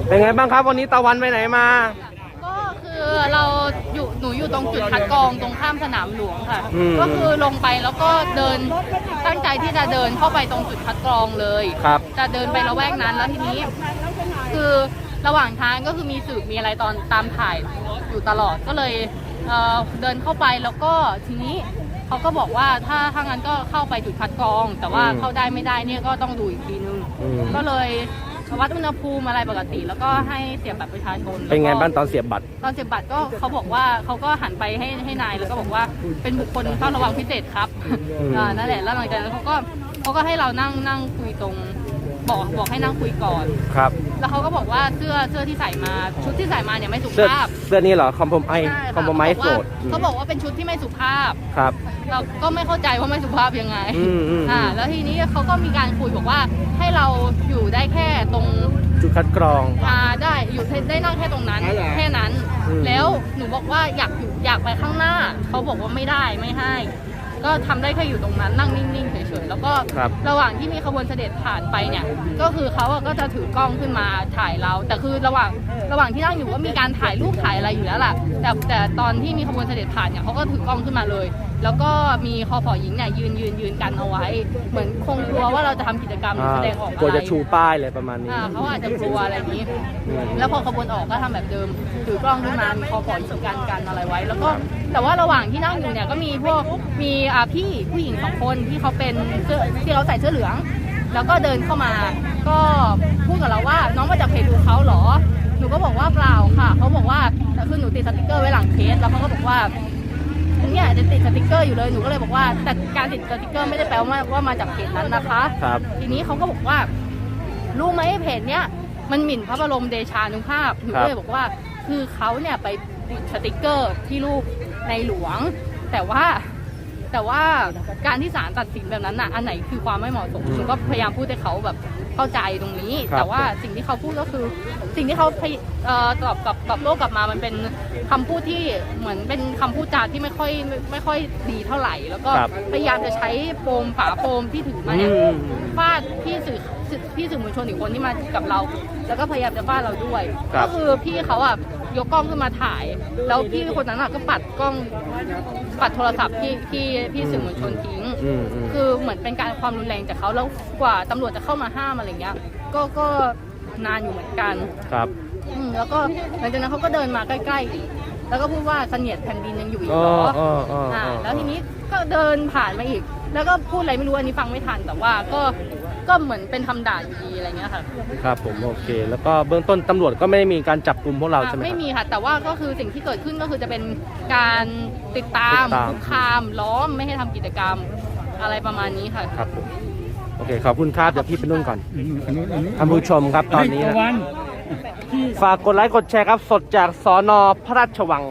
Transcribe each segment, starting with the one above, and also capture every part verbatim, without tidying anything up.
เป็นไงบ้างครับวันนี้ตะวันไปไหนมาก็คือเราอยู่หนูอยู่ตรงจุดคัดกรองตรงข้ามสนามหลวงค่ะก็คือลงไปแล้วก็เดินตั้งใจที่จะเดินเข้าไปตรงจุดคัดกรองเลยครับจะเดินไประแวกนั้นแล้วทีนี้คือระหว่างทางก็คือมีสื่อมีอะไรตอนตามถ่ายอยู่ตลอดก็เลยเอ่อเดินเข้าไปแล้วก็ทีนี้เขาก็บอกว่าถ้าถ้างั้นก็เข้าไปจุดคัดกรอง แต่ว่าเข้าได้ไม่ได้เนี่ยก็ต้องดูอีกทีนึงก็เลยวัดอุณหภูมิอะไรปกติแล้วก็ให้เสียบบัตรประชาชนเป็นไงบ้างตอนเสียบบัตรตอนเสียบบัตรก็เขาบอกว่าเขาก็หันไปให้ให้นายแล้วก็บอกว่าเป็นบุคคลเฝ้าระวังพิเศษครับอ่านั่นแหละแล้วหลังจากนั้นเขาก็เขาก็ให้เรานั่งนั่งคุยตรงบอกบอกให้นั่งคุยก่อนครับแล้วเขาก็บอกว่าเสื้อเสื้อที่ใส่มาชุดที่ใส่มาเนี่ยไม่สุภาพเสื้อนี้เหรอคอมโพมไอคอมโพมไอโสดเขาบอกว่าเป็นชุดที่ไม่สุภาพครับเราก็ไม่เข้าใจว่าไม่สุภาพยังไงอ่าแล้วทีนี้เขาก็มีการคุยบอกว่าให้เราอยู่ได้แค่ตรงจุดคัดกรองอ่าได้อยู่ได้นั่งแค่ตรงนั้นแค่นั้นแล้วหนูบอกว่าอยากอยู่อยากไปข้างหน้าเขาบอกว่าไม่ได้ไม่ให้ก็ทำได้แค่อยู่ตรงนั้นนั่งนิ่งๆเฉยๆแล้วก็ระหว่างที่มีขบวนเสด็จผ่านไปเนี่ยก็คือเขาก็จะถือกล้องขึ้นมาถ่ายเราแต่คือระหว่างระหว่างที่นั่งอยู่ก็มีการถ่ายรูปถ่ายอะไรอยู่แล้วล่ะแต่แต่ตอนที่มีขบวนเสด็จผ่านเนี่ยเขาก็ถือกล้องขึ้นมาเลยแล้วก็มีคอฝอหญิงเนี่ยยืนยืนยืนกันเอาไว้เหมือนคงกลัวว่าเราจะทำกิจกรรมแสดงออกอะไรกลัวจะชูป้ายเลยประมาณนี้เขาอาจจะกลัวอะไรนี้แล้วพอขบวนออกก็ทำแบบเดิมถือกล้องขึ้นมามีคอฝอหญิงกันกันอะไรไว้แล้วก็แต่ว่าระหว่างที่นั่งอยู่เนี่ยก็มีพวกมีพี่ผู้หญิงสองคนที่เขาเป็นเสื้อที่เขาใส่เสื้อเหลืองแล้วก็เดินเข้ามาก็พูดกับเราว่าน้องมาจากเพจดูเขาเหรอหนูก็บอกว่าเปล่าค่ะเขาบอกว่าคือหนูติดสติกเกอร์ไว้หลังเคสแล้วเขาก็บอกว่าเนี่ยจะติดสติกเกอร์อยู่เลยหนูก็เลยบอกว่าแต่การติดสติกเกอร์ไม่ได้แปลว่าว่ามาจากเพจนั้นนะคะครับทีนี้เขาก็บอกว่ารู้ไหมเพจเนี้ยมันหมิ่นพระบรมเดชานุภาพหนูก็เลยบอกว่าคือเขาเนี่ยไปติดสติกเกอร์ที่รูปในหลวงแต่ว่าแต่ว่าการที่ศาลตัดสินแบบนั้นน่ะอันไหนคือความไม่เหมาะสมหนูก็พยายามพูดให้เขาแบบเข้าใจตรงนี้แต่ว่าสิ่งที่เขาพูดก็คือสิ่งที่เขาตอบกับกับโลกกลับมามันเป็นคำพูดที่เหมือนเป็นคำพูดจาที่ไม่ค่อยไม่ค่อยดีเท่าไหร่แล้วก็พยายามจะใช้โฟมฝาโฟมที่ถือมาเนี่ยฟาดพี่สื่อพี่สื่อมวลชนอีกคนที่มากับเราแล้วก็พยายามจะฟาดเราด้วยก็คือพี่เขาอ่ะยกกล้องขึ้นมาถ่ายแล้วพี่คนนั้นก็ปัดกล้องปัดโทรศัพท์ที่ที่พี่สื่อมวลชนทิ้งคือเหมือนเป็นการความรุนแรงจากเขาแล้วกว่าตำรวจจะเข้ามาห้ามอะไรเงี้ยก็ก็นานอยู่เหมือนกันครับแล้วก็หลังจากนั้นเขาก็เดินมาใกล้ๆแล้วก็พูดว่าเสนียดแผ่นดินยังอยู่อีกเหรออ่าแล้วทีนี้ก็เดินผ่านมาอีกแล้วก็พูดอะไรไม่รู้อันนี้ฟังไม่ทันแต่ว่าก็ก็เหมือนเป็นทำด่านอยู่ดีอะไรเงี้ยค่ะครับผมโอเคแล้วก็เบื้องต้นตำรวจก็ไม่ได้มีการจับกลุ่มพวกเราใช่ไหมไม่มีค่ะแต่ว่าก็คือสิ่งที่เกิดขึ้นก็คือจะเป็นการติดตามคุกคามล้อมไม่ให้ทำกิจกรรมอะไรประมาณนี้ค่ะครับผมโอเคขอบคุณครับเดี๋ยวพี่ไปนุ่งก่อนท่านผู้ชมครับตอนนี้นะฝากกดไลค์กดแชร์ครับสดจากสน.พระราชวัง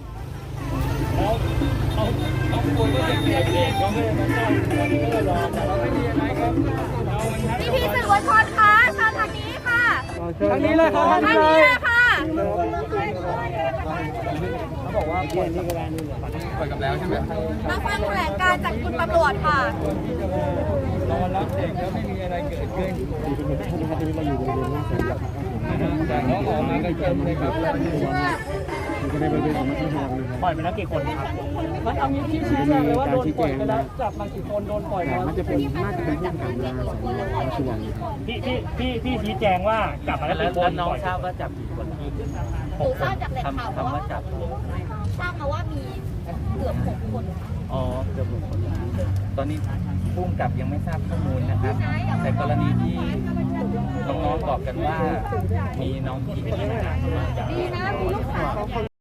พี่พี่สื่อมวลชนคะเชิญทางนี้ค่ะทางนี้เลยครับทางนี้เลยค่ะเขาบอกว่าปล่อยนี่ก็ได้นี่ปล่อยกับแล้วใช่ไหมมาฟังแถลงการจากคุณตำรวจค่ะรอรับเด็กแล้วไม่มีอะไรเกิดขึ้นแต่น้องออกมาก็เยี่ยมเลยครับปล่อยไปแล้วกี่คนครับมันเอางี้ที่ชี้แจงเลยว่าโดนปล่อยไปแล้วจับมากี่คนโดนปล่อยมามันจะเป็นน่าจะเป็นผู้ขังยาสวนพี่พี่พี่พี่ชี้แจงว่ากลับมาแล้วกี่คนน้องทราบว่าจับกี่คนหนูทราบจากแหล่งข่าวว่าทราบมาว่ามีเกือบหกคนอ๋อเกือบหกคนตอนนี้ผู้กำกับยังไม่ทราบข้อมูลนะครับแต่กรณีที่น้องๆบอกกันว่ามีน้องที่เป็นทหารมาจาก